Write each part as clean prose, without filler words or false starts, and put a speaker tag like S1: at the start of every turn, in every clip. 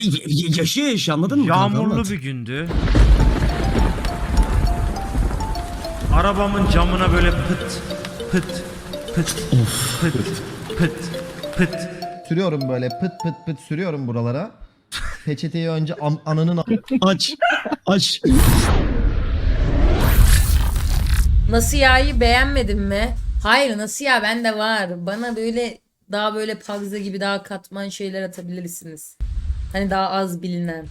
S1: Yaşıyor anladın mı?
S2: Yağmurlu bir gündü. Arabamın camına böyle pıt pıt pıt pıt pıt pıt.
S3: Sürüyorum böyle pıt pıt pıt sürüyorum buralara. Peçeteyi önce ananın...
S1: Aç.
S4: Nasıl ya'yı beğenmedin mi? Hayır, nasıl ya, bende var. Bana böyle daha böyle pagza gibi daha katman şeyler atabilirsiniz. Hani daha az bilinen.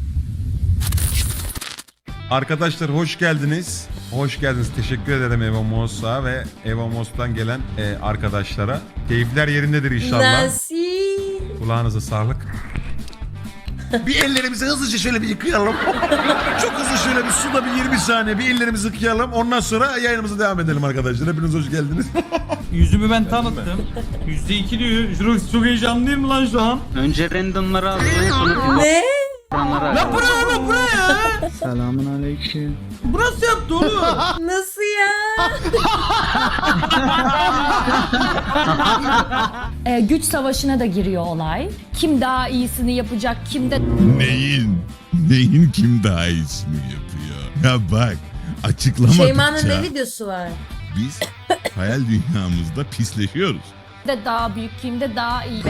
S5: Arkadaşlar hoş geldiniz. Hoş geldiniz. Teşekkür ederim Evamos'a ve Evamos'tan gelen arkadaşlara. Keyifler yerindedir inşallah.
S4: Nasıl?
S5: Kulağınıza sağlık. Bir ellerimizi hızlıca şöyle bir yıkayalım. Çok hızlı şöyle bir suda bir 20 saniye bir ellerimizi yıkayalım. Ondan sonra yayınımıza devam edelim arkadaşlar. Hepiniz hoş geldiniz.
S6: Yüzümü ben tanıttım. %2 diyor. Şurası çok heyecanlıyım lan şu an.
S7: Önce randomları alacağız sonra
S4: Ne?
S6: La bu ne ya?
S7: Selamun aleyküm.
S6: Bu nasıl yaptı oğlum?
S4: Nasıl ya?
S8: Güç savaşına da giriyor olay. Kim daha iyisini yapacak, kim de...
S9: Neyin kim daha iyisini yapıyor? Ya bak açıklamadıkça
S4: Şeyma'nın ne videosu var?
S9: biz hayal dünyamızda pisleşiyoruz.
S8: de daha büyük, kim de daha iyi.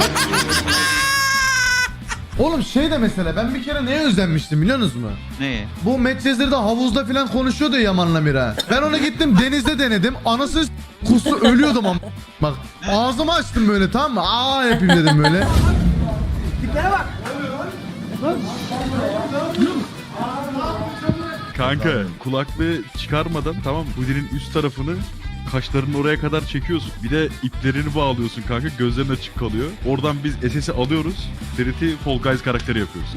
S3: Oğlum şey de mesela ben bir kere neye özenmiştim biliyorsunuz mu?
S7: Ne?
S3: Bu Medcezir'de havuzda falan konuşuyordu ya Yaman'la Mira. Ben ona gittim denizde denedim. Anası kustu ölüyordum ama. Bak ağzımı açtım böyle tamam mı? Aa yapayım dedim böyle.
S10: Kanka kulaklığı çıkarmadan tamam mı? Hoodie'nin üst tarafını kaşlarının oraya kadar çekiyorsun. Bir de iplerini bağlıyorsun kanka. Gözlerin açık kalıyor. Oradan biz SS'i alıyoruz. Ferit'i Fall Guys karakteri yapıyoruz.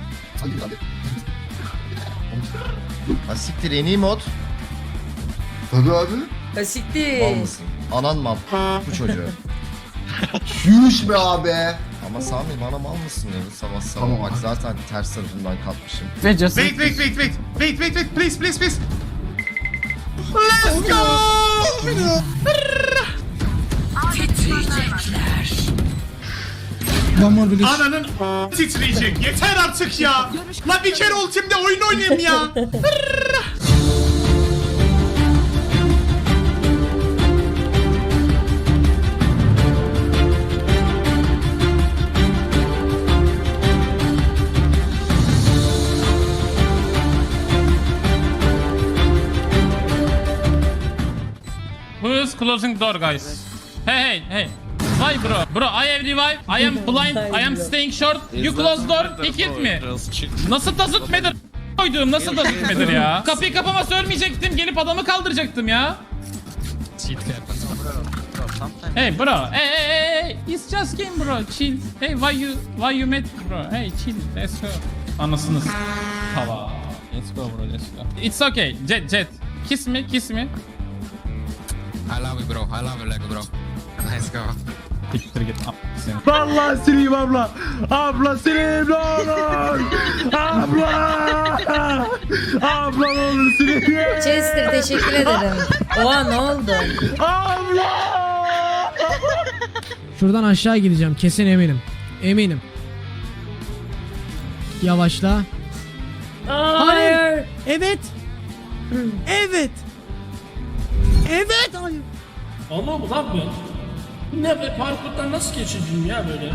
S3: Ha siktir en iyi mod.
S11: Tabii abi.
S4: Asiktir.
S3: Mal mısın? Anan mal. Bu çocuğu.
S11: Yuş be abi.
S3: Ama Sami bana mal mısın ya? Sabah sabah
S11: Tamam.
S3: bak zaten ters tarafından kalkmışım.
S5: Wait, please.
S6: Ananın titreyecek. Yeter artık ya. La bir kere ultimde oyun oynayayım ya.
S7: Who is closing door guys? Hey. Why bro? Bro I have revive. I am blind. I am staying short. You close door. He killed me. Nasıl da zıtmedir? Koyduğum nasıl da zıtmedir ya? Kapıyı kapamasa ölmeyecektim. Gelip adamı kaldıracaktım ya. Hey bro. Hey. It's just game bro. Chill. Hey why you mad bro? Hey chill. Let's go. Anasını Tava. Let's go bro. Let's go. It's okay. Jet. Kiss me.
S6: I love you bro. I love you like bro. Let's go.
S7: Siktir git.
S6: Vallahi sileyim abla. Abla sileyim ne olur. Abla ne olur sileyim.
S4: Chester teşekkür ederim. Oha ne oldu?
S1: Şuradan aşağı gideceğim kesin eminim. Yavaşla.
S4: Hayır.
S1: Evet. Hayır.
S6: Ama ulan bu. Ne be parkurdan nasıl geçeceğim ya böyle?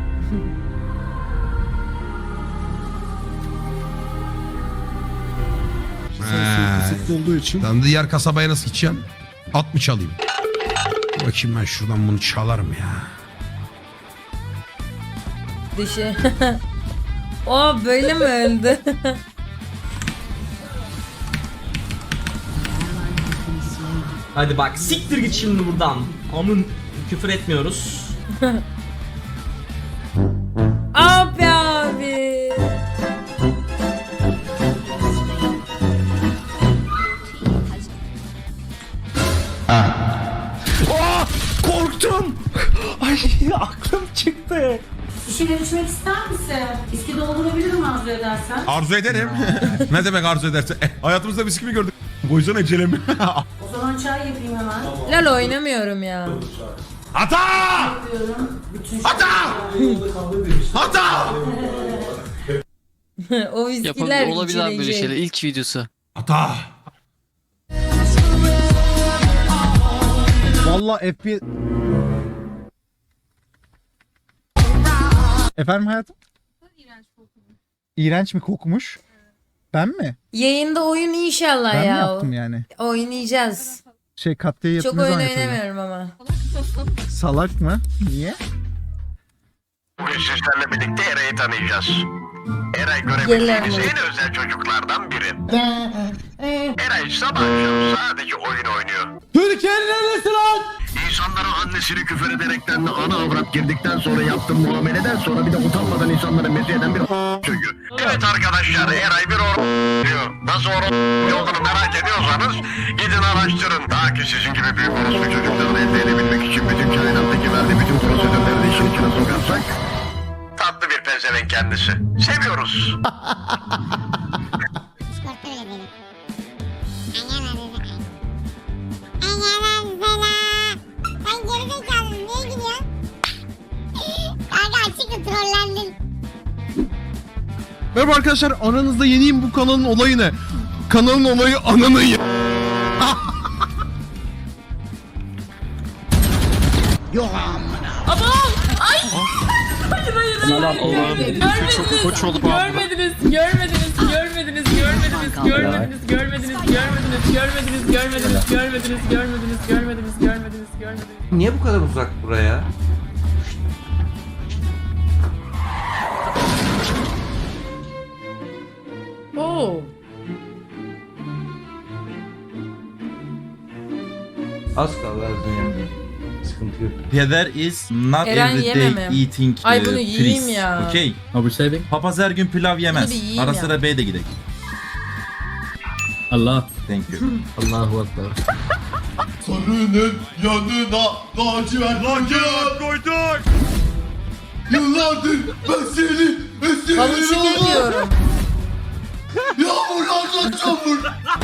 S9: Olduğu için. Lan diğer kasabaya nasıl gideceğim? At mı çalayım? Bakayım ben şuradan bunu çalarım ya.
S4: Dişi. O böyle mi öldü?
S1: Hadi bak siktir git şimdi buradan. Amın küfür etmiyoruz.
S4: Abi.
S6: Korktum. Ay aklım çıktı.
S8: Bir şey içmek ister misin? İski doldurabilirim arzu edersen.
S5: Arzu ederim. Ne demek arzu ederse? Hayatımızda biz kimi gördük? Koysana ecelemi.
S8: O zaman çay yapayım hemen.
S4: Lol oynamıyorum ya.
S5: Ata!
S8: Yapıyorum. Bütün
S5: Ata!
S4: O viskiler içilecek.
S7: İlk videosu.
S5: Ata.
S3: Vallahi FPS... Efendim hayatım? İğrenç mi kokmuş? Ben mi?
S4: Yayında oyun inşallah
S3: Ben mi
S4: ya.
S3: yaptım yani?
S4: Oynayacağız.
S3: Katliye
S4: Çok oyun oynamıyorum ama.
S3: Salak mı? Niye?
S12: Bugün sizlerle birlikte Eray'ı tanıyacağız. Eray
S4: Gel
S12: görebileceğiniz
S4: lan.
S12: en özel çocuklardan biri. Eray sabah akşam sadece oyun oynuyor.
S3: Türkiye'nin neresi lan?
S12: İnsanlara annesini küfür ederekten de ana avrat girdikten sonra yaptığı muameleden sonra bir de utanmadan insanları mezih eden bir çocuğu. Evet arkadaşlar Eray bir diyor. Nasıl olduğunu merak ediyorsanız gidin araştırın. Daha ki sizin gibi büyük orospu çocuklarını elde edebilmek için bütün kainattaki verdiği bütün prosedürleri de işin içine sokarsak tatlı bir pezevenk kendisi. Seviyoruz.
S11: Merhaba arkadaşlar, aranızda yeniyim, bu kanalın olayı ne? Kanalın olayı ananın ya.
S1: Niye bu kadar uzak buraya?
S4: Oo.
S1: Az kaldı yani. Sıkıntı yok. Peder is not
S4: Eren
S1: every
S4: yememem.
S1: day eating
S4: Ay bunu yiyeyim ya.
S1: Okay. Papaz her gün pilav yemez.
S4: Bunu bir yiyeyim
S1: Ara
S4: ya.
S1: sıra B'ye de gidelim.
S6: Allah.
S1: Thank you.
S6: Allahu Ekber.
S11: Sarının yanına lacivert koyduk. Yıllardır ben seni
S4: Havuç yiyorum.
S11: Yağmurlardan çamur.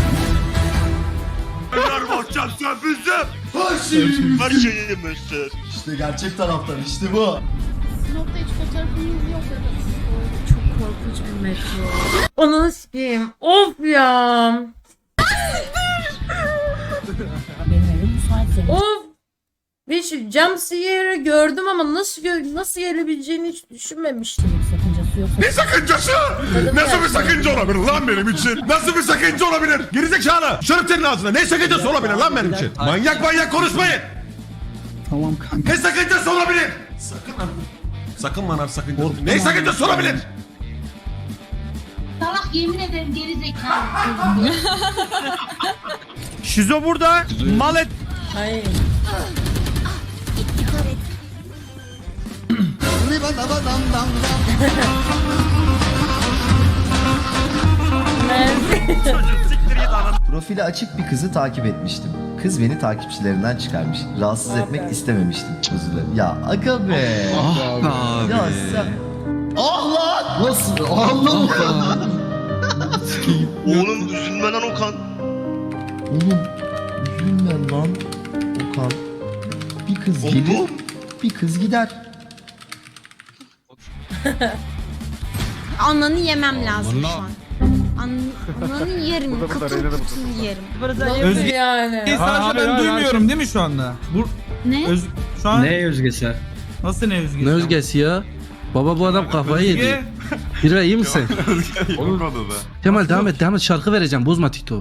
S11: Her şeyimizdir. İşte gerçek taraftar, işte bu.
S4: Onu sikeyim. Of ya. Of. Bir şu jumpscare'ı gördüm ama nasıl gelebileceğini hiç düşünmemiştim.
S5: Ne sakıncası? Nasıl bir sakınca olabilir lan benim için? Nasıl bir sakınca olabilir? Gerizekalı. Şarap senin ağzına. Ne sakıncası olabilir lan benim için? Manyak konuşmayın.
S11: Tamam kanka.
S5: Ne sakıncası olabilir? Sakın lan sakıncası. Ne sakıncası olabilir?
S8: Salak yemin ederim geri zekalı.
S2: Şizo burada. Mal et.
S4: Hayır.
S11: Profili açık bir kızı takip etmiştim. Kız beni takipçilerinden çıkarmış. Rahatsız etmek istememiştim. Özür dilerim. Ya aga be.
S9: Abi.
S11: Ya sen... Ah lan! Nasıl? Allah! Oğlum üzülme lan Okan. Oğlum üzülme lan Okan. Bir kız gelir, bir kız gider.
S8: Ananı yemem lazım şu an. Ananı yerim. Kıtır kıtır yerim.
S4: Özgür yani.
S2: Sadece ben duymuyorum değil mi şu anda?
S8: Ne?
S2: Şu an
S6: Ne özgesi?
S2: nasıl ne özgür?
S6: Ne özgesi ya? Baba bu adam kafayı yedi. Hirve iyi misin?
S10: Olmadı da.
S6: Kemal devam et şarkı vereceğim bozma TikTok'u.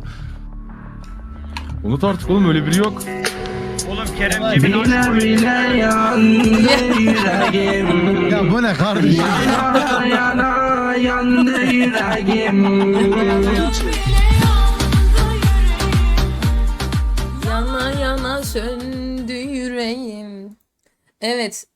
S10: Unut artık oğlum öyle biri yok.
S2: Oğlum Kerem Cemil
S3: Ya bu ne kardeşim?
S4: Yana yana söndü yüreğim. Evet.